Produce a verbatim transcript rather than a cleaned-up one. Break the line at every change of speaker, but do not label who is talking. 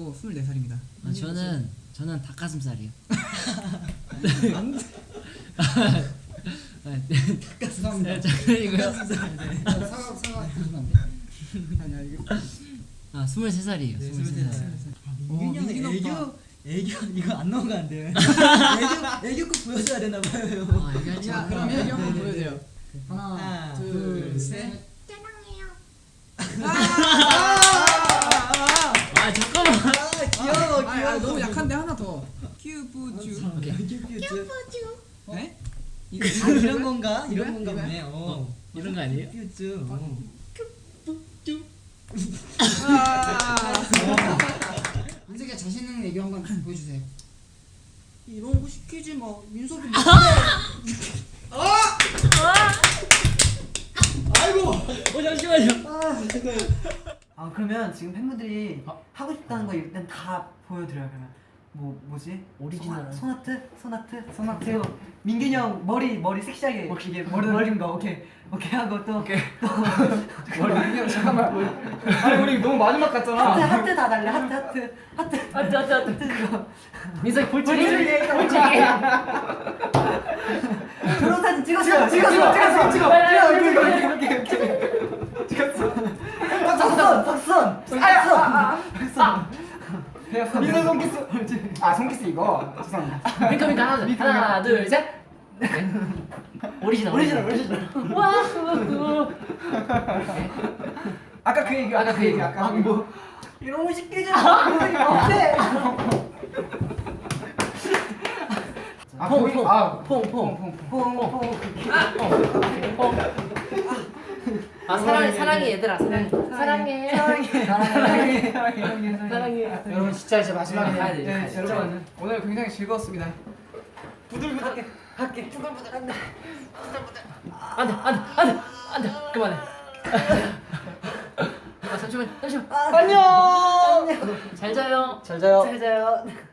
저도 스물네 살입니다.
아, 저는 저는 닭가슴살이요.
죄송합니다.
장난이고요.
사과 사과 드시면 안 돼.
아니야 이거.
아 스물세 살이에요.
네,
스물세
스물세
살.
살.
어,
민균이 형
민균
애교
오빠.
애교 이거 안 넘어가는데요. 애교 애교 꼭 보여줘야 되나 봐요.
아 얘기하지
자
마.
그러면 여기 한번
네, 네,
보여줘요.
하나,
하나,
둘, 셋.
아 잠깐만.
아 귀여워
아,
귀여워.
아, 너무 약한데 하나 더. 큐브주.
오케이.
큐큐.
네?
아 이런 건가? 이런
이거야?
건가
이거야?
보네. 어.
이런 거 아니에요?
큐큐.
아,
민석이가 자신 있는 애교 한번 보여주세요.
이런 거 시키지 마. 민석이 뭐
어 잠시만요.
아 그러면 지금 팬분들이 하고 싶다는 거 일단 다 보여드려요. 그러면 뭐 뭐지?
오리지널.
소나, 소나트? 소나트? 소나트. 민균이 형 머리 머리 섹시하게 이게 머리 머리인 거 오케이 오케이 하고 또 오케이 또
민균이 형 잠깐만. 아니 우리 너무 마지막
하트
같잖아.
하트 다 달래 하트 하트 하트
하트 하트 하트.
그거
민석이 볼줄이.
볼줄이 결혼 사진 찍었어 찍었어 찍었어 찍어 이렇게 이렇게 이렇게 찍었어 박선 박선 박선
민석 손키스. 아 손키스 이거. 죄송합니다.
핑크 핑크 하나 둘 하나 둘 셋. 네. 오리지널
오리지널 오리지널
와.
아까 그 얘기
아까 그 얘기.
아까 뭐
이런 거 시키지 마 어때
아, 거기- 아,
퐁퐁
퐁퐁
아 사랑 사랑해 얘들아 사랑해 사랑해
사랑해
사랑해.
사랑해.
여러분 진짜 이제 마지막에
가야 돼.
네, 여러분 오늘 굉장히 즐거웠습니다.
부들부들하게 할게
안돼 안돼 안돼 안돼 그만해. 아 잠시만 잠시만.
안녕
잘 자요.
잘 자요
잘 자요.